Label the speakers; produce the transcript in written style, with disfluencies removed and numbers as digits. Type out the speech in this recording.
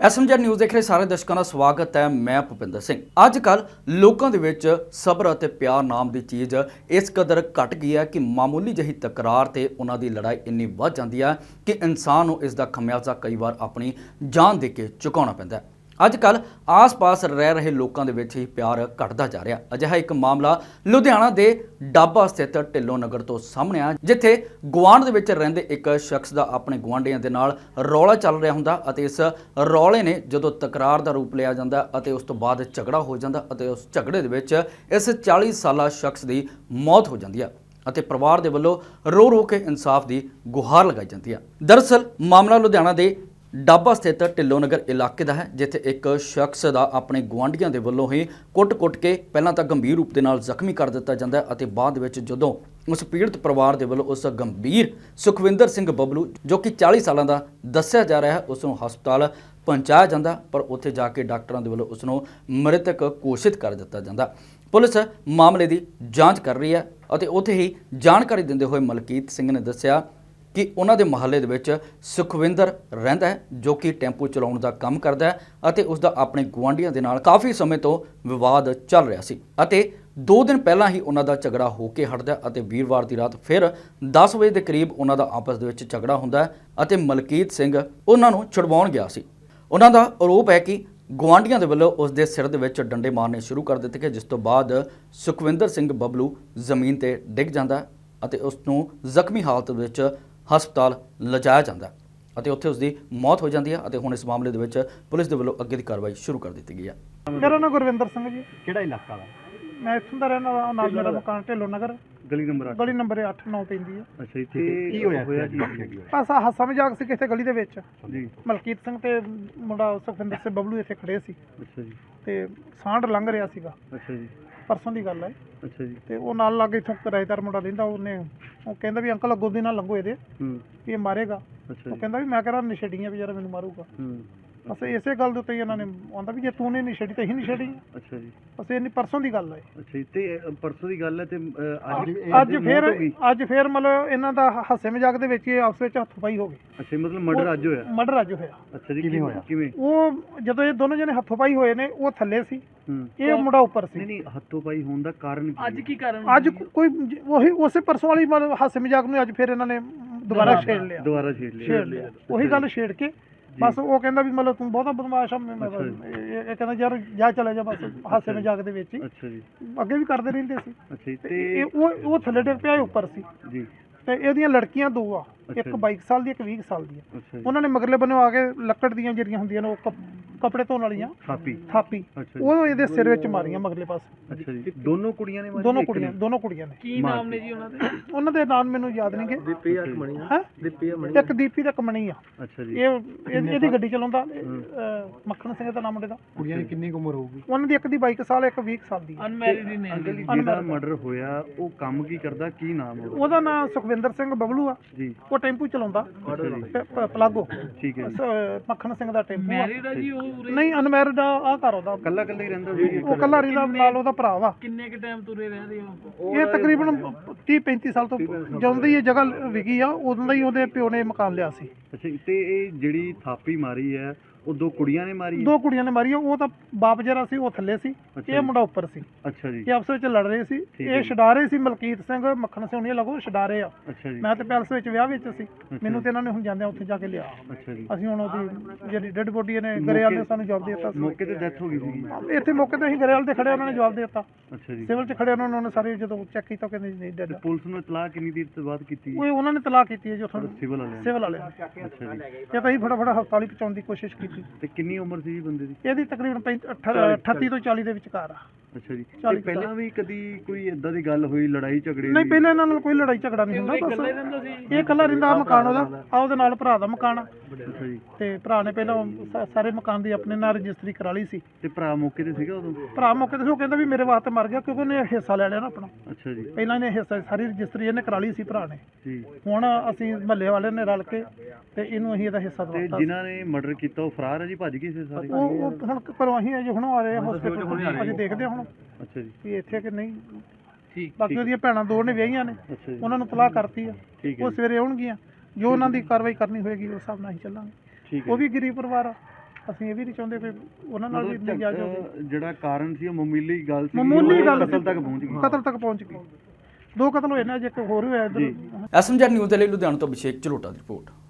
Speaker 1: SMG news ਦੇਖ ਰਹੇ ਸਾਰੇ ਦਰਸ਼ਕਾਂ ਦਾ ਸਵਾਗਤ ਹੈ। ਮੈਂ ਭੁਪਿੰਦਰ ਸਿੰਘ। ਅੱਜ ਕੱਲ ਲੋਕਾਂ ਦੇ ਵਿੱਚ ਸਬਰ ਅਤੇ ਪਿਆਰ ਨਾਮ ਦੀ ਚੀਜ਼ ਇਸ ਕਦਰ ਘਟ ਗਈ ਹੈ ਕਿ ਮਾਮੂਲੀ ਜਿਹੀ ਤਕਰਾਰ ਤੇ ਉਹਨਾਂ ਦੀ ਲੜਾਈ ਇੰਨੀ ਵੱਧ ਜਾਂਦੀ ਹੈ ਕਿ ਇਨਸਾਨ ਨੂੰ ਇਸ ਦਾ ਖਮਿਆਜ਼ਾ ਕਈ ਵਾਰ ਆਪਣੀ ਜਾਨ ਦੇ ਕੇ ਚੁਕਾਉਣਾ ਪੈਂਦਾ ਹੈ। ਅੱਜ ਕੱਲ ਆਸ-ਪਾਸ ਰਹਿ ਰਹੇ ਲੋਕਾਂ ਦੇ ਵਿੱਚ ਹੀ ਪਿਆਰ ਘਟਦਾ ਜਾ ਰਿਹਾ। ਅਜਿਹਾ ਇੱਕ ਮਾਮਲਾ ਲੁਧਿਆਣਾ ਦੇ ਡਾਬਾ ਸਥਿਤ ਢਿੱਲੋਂ ਨਗਰ ਤੋਂ ਸਾਹਮਣੇ ਆ, ਜਿੱਥੇ ਗੁਆਂਢ ਦੇ ਵਿੱਚ ਰਹਿੰਦੇ ਇੱਕ ਸ਼ਖਸ ਦਾ ਆਪਣੇ ਗੁਆਂਢੀਆਂ ਦੇ ਨਾਲ ਰੌਲਾ ਚੱਲ ਰਿਹਾ ਹੁੰਦਾ ਅਤੇ ਇਸ ਰੌਲੇ ਨੇ ਜਦੋਂ ਤਕਰਾਰ ਦਾ ਰੂਪ ਲਿਆ ਜਾਂਦਾ ਅਤੇ ਉਸ ਤੋਂ ਬਾਅਦ ਝਗੜਾ ਹੋ ਜਾਂਦਾ ਅਤੇ ਉਸ ਝਗੜੇ ਦੇ ਵਿੱਚ ਇਸ 40 ਸਾਲਾ ਸ਼ਖਸ ਦੀ ਮੌਤ ਹੋ ਜਾਂਦੀ ਹੈ ਅਤੇ ਪਰਿਵਾਰ ਦੇ ਵੱਲੋਂ ਰੋ ਰੋ ਕੇ ਇਨਸਾਫ ਦੀ ਗੁਹਾਰ ਲਗਾਈ ਜਾਂਦੀ ਹੈ। ਦਰਅਸਲ ਮਾਮਲਾ ਲੁਧਿਆਣਾ ਦੇ ਡਾਬਾ ਸਥਿਤ ਢਿੱਲੋਂ ਨਗਰ ਇਲਾਕੇ ਦਾ ਹੈ, ਜਿੱਥੇ ਇੱਕ ਸ਼ਖਸ ਦਾ ਆਪਣੇ ਗੁਆਂਢੀਆਂ ਦੇ ਵੱਲੋਂ ਹੀ ਕੁੱਟ-ਕੁੱਟ ਕੇ ਪਹਿਲਾਂ ਤਾਂ ਗੰਭੀਰ ਰੂਪ ਦੇ ਨਾਲ ਜ਼ਖਮੀ ਕਰ ਦਿੱਤਾ ਜਾਂਦਾ ਹੈ ਅਤੇ ਬਾਅਦ ਵਿੱਚ ਜਦੋਂ ਉਸ ਪੀੜਤ ਪਰਿਵਾਰ ਦੇ ਵੱਲੋਂ ਉਸ ਗੰਭੀਰ ਸੁਖਵਿੰਦਰ ਸਿੰਘ ਬੱਬਲੂ ਜੋ ਕਿ 40 ਸਾਲਾਂ ਦਾ ਦੱਸਿਆ ਜਾ ਰਿਹਾ ਹੈ, ਉਸ ਨੂੰ ਹਸਪਤਾਲ ਪਹੁੰਚਾਇਆ ਜਾਂਦਾ, ਪਰ ਉੱਥੇ ਜਾ ਕੇ ਡਾਕਟਰਾਂ ਦੇ ਵੱਲੋਂ ਉਸ ਨੂੰ ਮ੍ਰਿਤਕ ਘੋਸ਼ਿਤ ਕਰ ਦਿੱਤਾ ਜਾਂਦਾ। ਪੁਲਿਸ ਮਾਮਲੇ ਦੀ ਜਾਂਚ ਕਰ ਰਹੀ ਹੈ ਅਤੇ ਉੱਥੇ ਹੀ ਜਾਣਕਾਰੀ ਦਿੰਦੇ ਹੋਏ ਮਲਕੀਤ ਸਿੰਘ ਨੇ ਦੱਸਿਆ ਕਿ ਉਹਨਾਂ ਦੇ ਮੁਹੱਲੇ ਦੇ ਵਿੱਚ ਸੁਖਵਿੰਦਰ ਰਹਿੰਦਾ ਹੈ, ਜੋ ਕਿ ਟੈਂਪੂ ਚਲਾਉਣ ਦਾ ਕੰਮ ਕਰਦਾ ਹੈ ਅਤੇ ਉਸ ਦਾ ਆਪਣੇ ਗੁਆਂਢੀਆਂ ਦੇ ਨਾਲ ਕਾਫੀ ਸਮੇਂ ਤੋਂ ਵਿਵਾਦ ਚੱਲ ਰਿਹਾ ਸੀ ਅਤੇ 2 ਦਿਨ ਪਹਿਲਾਂ ਹੀ ਉਹਨਾਂ ਦਾ ਝਗੜਾ ਹੋ ਕੇ ਹਟਦਾ ਅਤੇ ਵੀਰਵਾਰ ਦੀ ਰਾਤ ਫਿਰ 10 ਵਜੇ ਦੇ ਕਰੀਬ ਉਹਨਾਂ ਦਾ ਆਪਸ ਦੇ ਵਿੱਚ ਝਗੜਾ ਹੁੰਦਾ ਅਤੇ ਮਲਕੀਤ ਸਿੰਘ ਉਹਨਾਂ ਨੂੰ ਛੁਡਵਾਉਣ ਗਿਆ ਸੀ। ਉਹਨਾਂ ਦਾ ਆਰੋਪ ਹੈ ਕਿ ਗੁਆਂਢੀਆਂ ਦੇ ਵੱਲੋਂ ਉਸ ਦੇ ਸਿਰ ਦੇ ਵਿੱਚ ਡੰਡੇ ਮਾਰਨੇ ਸ਼ੁਰੂ ਕਰ ਦਿੱਤੇ ਗਏ, ਜਿਸ ਤੋਂ ਬਾਅਦ ਸੁਖਵਿੰਦਰ ਸਿੰਘ ਬੱਬਲੂ ਜ਼ਮੀਨ ਤੇ ਡਿੱਗ ਜਾਂਦਾ ਅਤੇ ਉਸ ਨੂੰ ਜ਼ਖਮੀ ਹਾਲਤ ਵਿੱਚ ਹਸਪਤਾਲ ਲਿਜਾਇਆ ਜਾਂਦਾ ਅਤੇ ਉੱਥੇ ਉਸ ਦੀ ਮੌਤ ਹੋ ਜਾਂਦੀ ਹੈ ਅਤੇ ਹੁਣ ਇਸ ਮਾਮਲੇ ਦੇ ਵਿੱਚ ਪੁਲਿਸ ਦੇ ਵੱਲੋਂ ਅੱਗੇ ਦੀ ਕਾਰਵਾਈ ਸ਼ੁਰੂ ਕਰ ਦਿੱਤੀ ਗਈ ਹੈ।
Speaker 2: ਮੇਰਾ ਨਾਮ ਗੁਰਵਿੰਦਰ ਸਿੰਘ ਜੀ।
Speaker 3: ਕਿਹੜਾ ਇਲਾਕਾ ਵਾ?
Speaker 2: ਮੈਂ ਇੱਥੋਂ ਦਾ ਰਹਿਣ ਵਾਲਾ, ਨਾਲ ਮੇਰਾ ਮਕਾਨ ਢਿੱਲੋਂ ਨਗਰ
Speaker 3: ਗਲੀ ਨੰਬਰ 8।
Speaker 2: ਗਲੀ ਨੰਬਰ 8-9 ਪੈਂਦੀ ਹੈ।
Speaker 3: ਅੱਛਾ ਜੀ, ਤੇ ਕੀ ਹੋਇਆ ਕੀ
Speaker 2: ਬਸ ਹਾਸਾ ਮਜ਼ਾਕ ਸੀ ਕਿਸੇ ਗਲੀ ਦੇ ਵਿੱਚ
Speaker 3: ਜੀ।
Speaker 2: ਮਲਕੀਤ ਸਿੰਘ ਤੇ ਮੁੰਡਾ ਸੁਖਵਿੰਦਰ ਸਿੰਘ ਬੱਬਲੂ ਇੱਥੇ ਖੜੇ ਸੀ
Speaker 3: ਅੱਛਾ ਜੀ,
Speaker 2: ਤੇ ਸਾਂਢ ਲੰਘ ਰਿਹਾ ਸੀਗਾ।
Speaker 3: ਅੱਛਾ ਜੀ,
Speaker 2: ਪਰਸੋਂ ਦੀ ਗੱਲ ਹੈ।
Speaker 3: ਅੱਛਾ ਜੀ,
Speaker 2: ਤੇ ਉਹ ਨਾਲ ਲੱਗੇ ਇੱਥੋਂ ਕਿਰਾਏਦਾਰ ਮੁੰਡਾ ਰਹਿੰਦਾ, ਉਹ ਕਹਿੰਦਾ ਵੀ ਅੰਕਲ ਅੱਗੋਂ ਦੀ ਨਾਲ ਲੰਘੋ ਇਹਦੇ ਵੀ ਇਹ ਮਾਰੇਗਾ।
Speaker 3: ਅੱਛਾ
Speaker 2: ਉਹ
Speaker 3: ਜੀ,
Speaker 2: ਕਹਿੰਦਾ ਵੀ ਮੈਂ ਕਿਹੜਾ ਨਸ਼ੇੜੀਆਂ ਵੀ ਯਾਰ ਮੈਨੂੰ ਮਾਰੂਗਾ।
Speaker 3: ਹੂੰ,
Speaker 2: ਬਸ ਇਸੇ ਗੱਲ ਦੇ ਉੱਤੇ ਹੀ ਇਹਨਾਂ ਨੇ ਆਉਂਦਾ ਵੀ ਜੇ ਤੂੰ ਨਹੀਂ ਨਸ਼ੇੜੀ ਤਾਂ ਅਸੀਂ ਨਸ਼ੇੜੀ।
Speaker 3: ਅੱਛਾ ਜੀ,
Speaker 2: ਬਸ ਇਹ ਪਰਸੋਂ ਦੀ ਗੱਲ ਹੈ।
Speaker 3: ਅੱਛਾ ਜੀ, ਤੇ ਪਰਸੋਂ ਦੀ ਗੱਲ ਹੈ ਤੇ
Speaker 2: ਅੱਜ ਫੇਰ ਮਤਲਬ ਇਹਨਾਂ ਦਾ ਹਾਸੇ ਮਜ਼ਾਕ ਦੇ ਵਿੱਚ ਆਪਸ ਵਿੱਚ ਹੱਥੋਂ-ਪਾਈ ਹੋ ਗਈ।
Speaker 3: ਅੱਛਾ, ਮਤਲਬ ਮਰਡਰ ਅੱਜ ਹੋਇਆ?
Speaker 2: ਮਰਡਰ ਅੱਜ ਹੋਇਆ।
Speaker 3: ਅੱਛਾ ਜੀ, ਕਿਵੇਂ ਹੋਇਆ? ਕਿਵੇਂ?
Speaker 2: ਉਹ ਜਦੋਂ ਇਹ ਦੋਨੋਂ ਜਣੇ ਹੱਥੋਂ-ਪਾਈ ਹੋਏ ਨੇ, ਉਹ ਥੱਲੇ ਸੀ, ਇਹ ਮੁੰਡਾ ਉੱਪਰ ਸੀ।
Speaker 3: ਨਹੀਂ, ਹੱਥੋਂ ਪਾਈ ਹੋਣ ਦਾ ਕਾਰਨ
Speaker 2: ਅੱਜ ਕੀ ਕਾਰਨ? ਅੱਜ ਕੋਈ ਉਹੀ ਉਸੇ ਪਰਸੋਂ ਵਾਲੀ ਮਤਲਬ ਹਾਸੇ ਮਜ਼ਾਕ ਨੂੰ ਅੱਜ ਫੇਰ ਇਹਨਾਂ ਨੇ ਦੁਬਾਰਾ ਛੇੜ ਲਿਆ। ਉਹੀ ਗੱਲ ਛੇੜ ਕੇ ਬਸ ਉਹ ਕਹਿੰਦਾ ਵੀ ਮਤਲਬ ਤੂੰ ਬਹੁਤਾ ਬਦਮਾਸ਼ ਆ। ਇਹ ਕਹਿੰਦਾ ਯਾਰ ਜਾ ਚਲੇ ਜਾ, ਬਸ ਹਾਸੇ ਮਜ਼ਾਕ ਦੇ ਵਿੱਚ ਹੀ।
Speaker 3: ਅੱਛਾ ਜੀ,
Speaker 2: ਅੱਗੇ ਵੀ ਕਰਦੇ ਰਹਿੰਦੇ ਸੀ।
Speaker 3: ਅੱਛਾ ਜੀ, ਤੇ
Speaker 2: ਉਹ ਥੱਲੇ ਡਿੱਗ ਪਿਆ, ਉੱਪਰ ਸੀ
Speaker 3: ਜੀ।
Speaker 2: ਤੇ ਇਹਦੀਆਂ ਲੜਕੀਆਂ 2 ਆ, ਇੱਕ 22 ਸਾਲ ਦੀ, ਇੱਕ 20 ਸਾਲ ਦੀ ਆ।
Speaker 3: ਅੱਛਾ ਜੀ,
Speaker 2: ਉਹਨਾਂ ਨੇ ਮਗਰਲੇ ਬੰਨੋਂ ਆ ਕੇ ਲੱਕੜ ਦੀਆਂ ਜਿਹੜੀਆਂ ਹੁੰਦੀਆਂ ਨੇ ਉਹ ਕੱਪੜੇ ਧੋਣ ਵਾਲੀਆਂ ਥਾਪੀ
Speaker 3: ਅੱਛਾ ਜੀ,
Speaker 2: ਉਹ ਇਹਦੇ ਸਿਰ ਵਿੱਚ ਮਾਰੀਆਂ ਮਗਰਲੇ ਪਾਸੇ।
Speaker 3: ਅੱਛਾ ਜੀ, ਦੋਨੋਂ ਕੁੜੀਆਂ ਨੇ ਮਾਰੀ?
Speaker 2: ਦੋਨੋਂ ਕੁੜੀਆਂ ਨੇ।
Speaker 3: ਕੀ ਨਾਮ ਨੇ ਜੀ ਉਹਨਾਂ ਦੇ?
Speaker 2: ਉਹਨਾਂ ਦੇ ਨਾਮ ਮੈਨੂੰ ਯਾਦ ਨਹੀਂਗੇ।
Speaker 3: ਦੀਪੀ ਅਕਮਣੀ
Speaker 2: ਹੈ, ਇੱਕ ਦੀਪੀ ਤੇ ਇੱਕ ਮਣੀ ਆ।
Speaker 3: ਅੱਛਾ ਜੀ,
Speaker 2: ਇਹਦੀ ਗੱਡੀ ਚਲਾਉਂਦਾ ਮੱਖਣ ਸਿੰਘ ਦਾ ਨਾਮ ਮੁੰਡੇ ਦਾ।
Speaker 3: ਕੁੜੀਆਂ ਦੀ ਕਿੰਨੀ ਉਮਰ ਹੋਊਗੀ?
Speaker 2: ਉਹਨਾਂ ਦੀ ਇੱਕ ਦੀ 22 ਸਾਲ, ਇੱਕ 20 ਸਾਲ ਦੀ।
Speaker 3: ਅਨਮੈਰਿਡ ਨੇ। ਜਿਹਦਾ ਮਰਡਰ ਹੋਇਆ ਉਹ ਕੰਮ ਕੀ ਕਰਦਾ, ਕੀ ਨਾਮ
Speaker 2: ਉਹਦਾ ਨਾਮ ਸੁਖਵਿੰਦਰ ਸਿੰਘ ਬੱਬਲੂ ਆ
Speaker 3: ਜੀ।
Speaker 2: ਉਹ ਟੈਂਪੂ ਚਲਾਉਂਦਾ ਪਲਾਗੋ।
Speaker 3: ਠੀਕ ਹੈ,
Speaker 2: ਮੱਖਣ ਸਿੰਘ ਦਾ ਟੈਂਪੂ
Speaker 3: ਮੈਰਿਡ ਹੈ ਜੀ? ਉਹ
Speaker 2: ਨਹੀਂ, ਅਨਮੈਰਿਡ ਆ ਘਰ ਉਹਦਾ
Speaker 3: ਕੱਲਾ ਹੀ ਰਹਿੰਦਾ ਸੀ?
Speaker 2: ਉਹ ਕੱਲਾ ਰਹਿੰਦਾ, ਨਾਲ ਉਹਦਾ ਭਰਾ ਵਾ।
Speaker 3: ਕਿੰਨੇ ਕ ਟਾਈਮ ਤੁਰੇ ਰਹਿੰਦੇ ਹੋ?
Speaker 2: ਇਹ ਤਕਰੀਬਨ 30-35 ਸਾਲ ਤੋਂ ਜਦੋਂ ਦੀ ਇਹ ਜਗ੍ਹਾ ਵਿਕੀ ਆ, ਉਦੋਂ ਦਾ ਹੀ ਉਹਦੇ ਪਿਓ ਨੇ ਮਕਾਨ ਲਿਆ ਸੀ।
Speaker 3: ਅੱਛਾ, ਤੇ ਇਹ ਜਿਹੜੀ ਥਾਪੀ ਮਾਰੀ ਹੈ ਉਹ 2 ਕੁੜੀਆਂ ਨੇ ਮਾਰੀ ਹੈ?
Speaker 2: 2 ਕੁੜੀਆਂ ਨੇ ਮਾਰੀ ਆ। ਉਹ ਤਾਂ ਬਾਪ ਜਿਹੜਾ ਸੀ ਉਹ ਥੱਲੇ ਸੀ, ਇਹ ਮੁੰਡਾ ਉੱਪਰ ਸੀ।
Speaker 3: ਅੱਛਾ ਜੀ,
Speaker 2: ਇਹ ਆਪਸ ਵਿੱਚ ਲੜ ਰਹੇ ਸੀ। ਇਹ ਛਡਾ ਰਹੇ ਸੀ, ਮਲਕੀਤ ਸਿੰਘ ਮੱਖਣ ਸਿੰਘ ਉਹਨੇ ਲੱਗੋ ਛਡਾ ਰਹੇ ਆ।
Speaker 3: ਅੱਛਾ ਜੀ,
Speaker 2: ਮੈਂ ਤੇ ਪੈਲਸ ਵਿੱਚ ਵਿਆਹ ਵਿੱਚ ਸੀ, ਮੈਨੂੰ ਤੇ ਇਹਨਾਂ ਨੇ ਹੁਣ ਜਾਂਦਿਆਂ ਉੱਥੇ ਜਾ ਕੇ ਲਿਆ।
Speaker 3: ਅੱਛਾ ਜੀ,
Speaker 2: ਅਸੀਂ ਹੁਣ ਉਹਦੀ ਜਿਹੜੀ ਡੈਡ ਬੋਡੀ ਨੇ ਗਰੇਵਾਲ ਨੇ ਸਾਨੂੰ ਜਵਾਬ ਦੇ ਦਿੱਤਾ।
Speaker 3: ਮੌਕੇ ਤੇ ਡੈਥ ਹੋ ਗਈ ਸੀ?
Speaker 2: ਇੱਥੇ ਮੌਕੇ ਤੇ ਅਸੀਂ ਗਰੇਵਾਲ ਤੇ ਖੜੇ, ਉਹਨਾਂ ਨੇ ਜਵਾਬ ਦੇ ਦਿੱਤਾ।
Speaker 3: ਅੱਛਾ ਜੀ,
Speaker 2: ਸਿਵਲ 'ਚ ਖੜੇ ਉਹਨਾਂ ਨੇ ਸਾਰੇ ਜਦੋਂ ਚੈੱਕ ਕੀਤਾ ਕਹਿੰਦੇ ਨਹੀਂ ਡੈਡ।
Speaker 3: ਪੁਲਿਸ ਨੂੰ ਇਤਲਾਹ ਕਿੰਨੀ ਦੇਰ ਤੋਂ ਬਾਅਦ ਕੀਤੀ?
Speaker 2: ਉਹ ਉਹਨਾਂ ਨੇ ਤਲਾਕ ਕੀਤੀ ਹੈ ਜੀ ਉੱਥੋਂ
Speaker 3: ਸਿਵਲ ਵਾਲਿਆਂ।
Speaker 2: ਅੱਛਾ ਜੀ,
Speaker 3: ਅੱਛਾ ਜੀ,
Speaker 2: ਇਹ ਤਾਂ ਅਸੀਂ ਫਟਾਫਟ ਹਸਪਤਾਲ ਹੀ ਪਹੁੰਚਾਉਣ ਦੀ ਕੋਸ਼ਿਸ਼ ਕੀਤੀ।
Speaker 3: ਤੇ ਕਿੰਨੀ ਉਮਰ ਸੀ ਜੀ ਬੰਦੇ ਦੀ?
Speaker 2: ਇਹਦੀ ਤਕਰੀਬਨ 38 ਤੋਂ 40 ਦੇ ਵਿਚਕਾਰ ਆ।
Speaker 3: ਅੱਛਾ ਜੀ, ਤੇ ਪਹਿਲਾਂ ਵੀ ਕਦੀ ਕੋਈ ਇਦਾਂ ਦੀ ਗੱਲ ਹੋਈ, ਲੜਾਈ ਝਗੜੇ?
Speaker 2: ਨਹੀਂ, ਪਹਿਲਾਂ ਇਹਨਾਂ ਨਾਲ ਕੋਈ ਲੜਾਈ ਝਗੜਾ ਨਹੀਂ ਹੁੰਦਾ। ਬਸ ਇਹ ਇਕੱਲਾ ਰਹਿੰਦਾ। ਆ ਮਕਾਨ ਉਹਦਾ, ਆ ਉਹਦੇ ਨਾਲ ਭਰਾ ਦਾ ਮਕਾਨ ਆ।
Speaker 3: ਅੱਛਾ ਜੀ,
Speaker 2: ਤੇ ਭਰਾ ਨੇ ਪਹਿਲਾਂ ਸਾਰੇ ਮਕਾਨ ਦੀ ਆਪਣੇ ਨਾਲ ਰਜਿਸਟਰੀ ਕਰਾ ਲਈ ਸੀ।
Speaker 3: ਤੇ ਭਰਾ ਮੌਕੇ ਤੇ ਸੀਗਾ ਉਦੋਂ?
Speaker 2: ਭਰਾ ਮੌਕੇ ਤੇ ਸੀ, ਉਹ ਕਹਿੰਦਾ ਵੀ ਮੇਰੇ ਵਾਸਤੇ ਮਰ ਗਿਆ ਕਿਉਂਕਿ ਉਹਨੇ ਹਿੱਸਾ ਲੈ ਲਿਆ ਨਾ ਆਪਣਾ।
Speaker 3: ਅੱਛਾ ਜੀ,
Speaker 2: ਪਹਿਲਾਂ ਇਹਨੇ ਹਿੱਸਾ ਸਾਰੀ ਰਜਿਸਟਰੀ ਇਹਨੇ ਕਰਾ ਲਈ ਸੀ ਭਰਾ ਨੇ।
Speaker 3: ਜੀ,
Speaker 2: ਹੁਣ ਅਸੀਂ ਮਹੱਲੇ ਵਾਲੇ ਨੇ ਰਲ ਕੇ ਤੇ ਇਹਨੂੰ ਅਸੀਂ ਇਹਦਾ ਹਿੱਸਾ
Speaker 3: ਤੇ
Speaker 2: ਦਵਾਤਾ।
Speaker 3: ਜਿਨ੍ਹਾਂ ਨੇ ਮਰਡਰ ਕੀਤਾ ਉਹ ਫਰਾਰ ਹੈ ਜੀ, ਭੱਜ ਗਏ ਸੀ ਸਾਰੇ?
Speaker 2: ਉਹ ਹੁਣ ਘਰੋਂ ਅਸੀਂ ਅਜੇ ਹੁਣ ਆ ਰਹੇ ਹਾਂ ਹਸਪੀਟਲ, ਅਸੀਂ ਦੇਖਦੇ ਹਾਂ ਹੁਣ
Speaker 3: ਅੱਛਾ ਜੀ,
Speaker 2: ਵੀ ਇੱਥੇ ਕਿ ਨਹੀਂ।
Speaker 3: ਠੀਕ।
Speaker 2: ਬਾਕੀ ਉਹਦੀਆਂ ਭੈਣਾਂ 2 ਨੇ ਵਿਆਹੀਆਂ ਨੇ,
Speaker 3: ਅੱਛਾ ਜੀ,
Speaker 2: ਉਹਨਾਂ ਨੂੰ ਤਲਾਕ ਕਰਤੀ ਆ।
Speaker 3: ਠੀਕ ਹੈ
Speaker 2: ਉਹ ਸਵੇਰੇ ਆਉਣਗੀਆਂ, ਜੋ ਉਹਨਾਂ ਦੀ ਕਾਰਵਾਈ ਕਰਨੀ ਹੋਏਗੀ ਉਸ ਹਿਸਾਬ ਨਾਲ ਅਸੀਂ ਚੱਲਾਂਗੇ।
Speaker 3: ਠੀਕ ਹੈ,
Speaker 2: ਉਹ ਵੀ ਗਰੀਬ ਪਰਿਵਾਰ ਆ, ਅਸੀਂ ਇਹ ਵੀ ਨਹੀਂ ਚਾਹੁੰਦੇ ਕਿ ਉਹਨਾਂ ਨਾਲ ਵੀ ਨਜਾਇਜ਼ ਹੋਵੇ।
Speaker 3: ਜਿਹੜਾ ਕਾਰਨ ਸੀ ਉਹ ਮਾਮੂਲੀ ਗੱਲ ਸੀ,
Speaker 2: ਮਾਮੂਲੀ ਗੱਲ
Speaker 3: ਕਤਲ ਤੱਕ ਪਹੁੰਚ ਗਈ।
Speaker 2: ਕਤਲ ਤੱਕ ਪਹੁੰਚ ਗਈ। 2 ਕਤਲ ਹੋਏ ਨੇ, ਜੇ ਇੱਕ ਹੋਰ ਹੋਇਆ ਇੱਧਰ।
Speaker 1: ਐਸਐਮਜੀ ਨਿਊਜ਼ ਦੇ ਲਈ ਲੁਧਿਆਣਾ ਤੋਂ ਅਭਿਸ਼ੇਕ ਝਲੋਟਾ ਦੀ ਰਿਪੋਰਟ।